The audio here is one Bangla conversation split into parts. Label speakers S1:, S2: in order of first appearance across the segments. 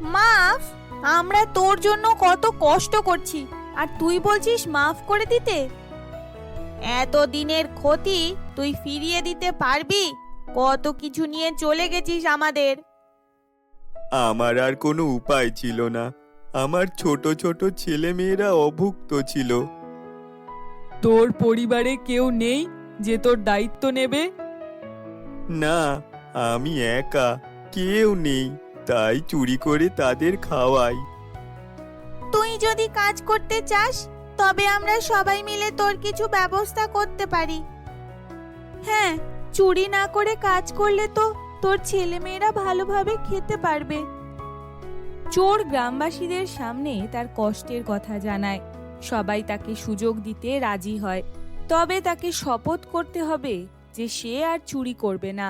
S1: মাফ? আমরা তোর জন্য কত কষ্ট করছি আর তুই বলছিস মাফ করে দিতে? এত দিনের ক্ষতি তুই ফিরিয়ে দিতে পারবি? কত কিছু নিয়ে চলে গেছিস আমাদের।
S2: আমার আর কোনো উপায় ছিল না। আমার ছোট ছোট ছেলে মেয়েরা অভুক্ত ছিল।
S3: তোর পরিবারে কেউ নেই যে তোর দায়িত্ব নেবে?
S2: না, আমি একা, কেউ নেই, তাই চুরি করে তাদের খাওয়াই।
S1: তুই যদি কাজ করতে চাস তবে আমরা সবাই মিলে তোর কিছু ব্যবস্থা করতে পারি। হ্যাঁ, চুরি না করে কাজ করলে তো তোর ছেলেমেয়েরা ভালোভাবে খেতে পারবে। চোর গ্রামবাসীদের সামনে তার কষ্টের কথা জানায়। সবাই তাকে সুযোগ দিতে রাজি হয়, তবে তাকে শপথ করতে হবে যে সে আর চুরি করবে না।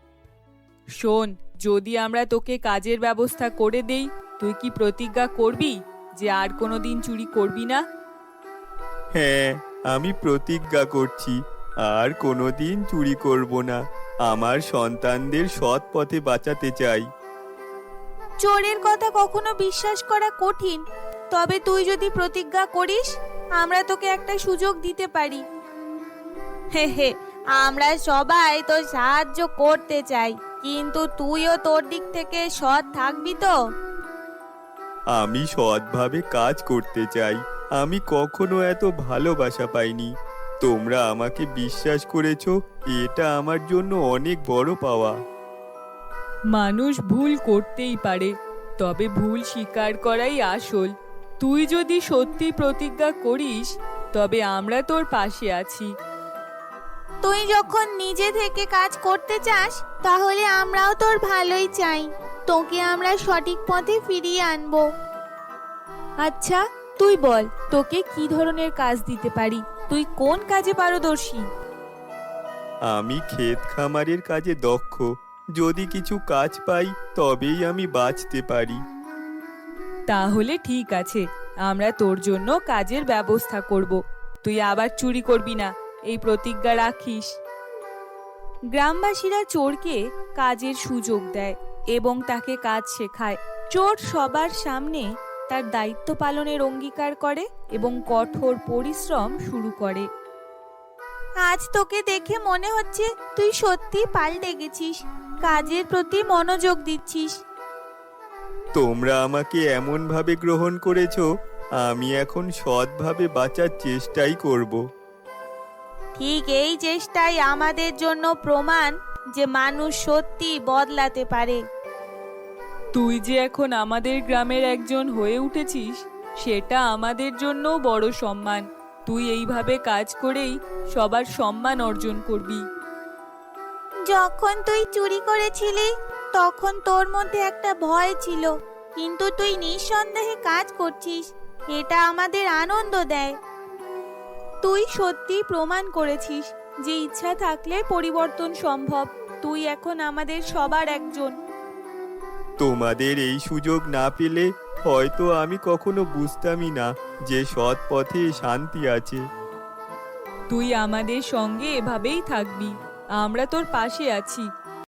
S3: শোন, যদি আমরা তোকে কাজের ব্যবস্থা করে দেই, তুই কি প্রতিজ্ঞা করবি যে আর কোনোদিন চুরি করবি না?
S2: হ্যাঁ, আমি প্রতিজ্ঞা করছি আর কোনোদিন চুরি করব না। আমার সন্তানদের সৎ পথে বাঁচাতে চাই।
S1: চোরের কথা কখনো বিশ্বাস করা কঠিন, তবে তুই যদি প্রতিজ্ঞা করিস আমরা তোকে একটা সুযোগ দিতে পারি। হে হে, আমরা সবাই তো সাহায্য করতে চাই, কিন্তু তুইও তোর দিক থেকে সৎ থাকবি তো?
S2: আমি সৎভাবে কাজ করতে চাই। আমি কখনো এত ভালোবাসা পাইনি। তোমরা আমাকে বিশ্বাস করেছো, এটা আমার জন্য অনেক বড় পাওয়া।
S3: মানুষ ভুল করতেই পারে, তবে ভুল স্বীকার করাই আসল। তুই যদি সত্যি প্রতিজ্ঞা করিস তবে আমরা তোর পাশে আছি।
S1: তুই যখন নিজে থেকে কাজ করতে চাস তাহলে আমরাও তোর ভালোই চাই। তোকে আমরা সঠিক পথে ফিরিয়ে আনবো। আচ্ছা, তুই বল তোকে কি ধরনের কাজ দিতে পারি? তুই কোন কাজে পারদর্শী?
S2: আমি ক্ষেত খামারের কাজে দক্ষ। যদি কিছু কাজ পাই তবেই আমি বাঁচতে পারি।
S3: তাহলে ঠিক আছে, আমরা তোর জন্য কাজের ব্যবস্থা করব। তুই আবার চুরি করবি না, এই প্রতিজ্ঞা রাখিস।
S1: গ্রামবাসীরা চোরকে কাজের সুযোগ দেয় এবং তাকে কাজ শেখায়। চোর সবার সামনে তার দায়িত্ব পালনের অঙ্গীকার করে এবং কঠোর পরিশ্রম শুরু করে। আজ তোকে দেখে মনে হচ্ছে তুই সত্যি পাল্টে গেছিস, কাজের প্রতি মনোযোগ দিচ্ছিস।
S2: তোমরা আমাকে এমন ভাবে গ্রহণ করেছো, আমি এখন সৎভাবে বাঁচার চেষ্টাই করব।
S1: ঠিক এই চেষ্টাই আমাদের জন্য প্রমাণ যে মানুষ সত্যি বদলাতে পারে।
S3: তুই যে এখন আমাদের গ্রামের একজন হয়ে উঠেছিস, সেটা আমাদের জন্য বড় সম্মান। তুই এইভাবে কাজ করেই সবার সম্মান অর্জন করবি।
S1: যখন তুই চুরি করেছিলি তখন তোর মধ্যে একটা ভয় ছিল, কিন্তু তুই নিঃসন্দেহে কাজ করছিস, এটা আমাদের আনন্দ দেয়। তুই সত্যি প্রমাণ করেছিস যে ইচ্ছা থাকলে পরিবর্তন সম্ভব। তুই এখন আমাদের সবার একজন।
S2: তোমাদের এই সুযোগ না পেলে হয়তো আমি কখনো বুঝতামই না যে সৎ পথে শান্তি আছে।
S3: তুই আমাদের সঙ্গে এভাবেই থাকবি, আমরা তোর পাশে আছি।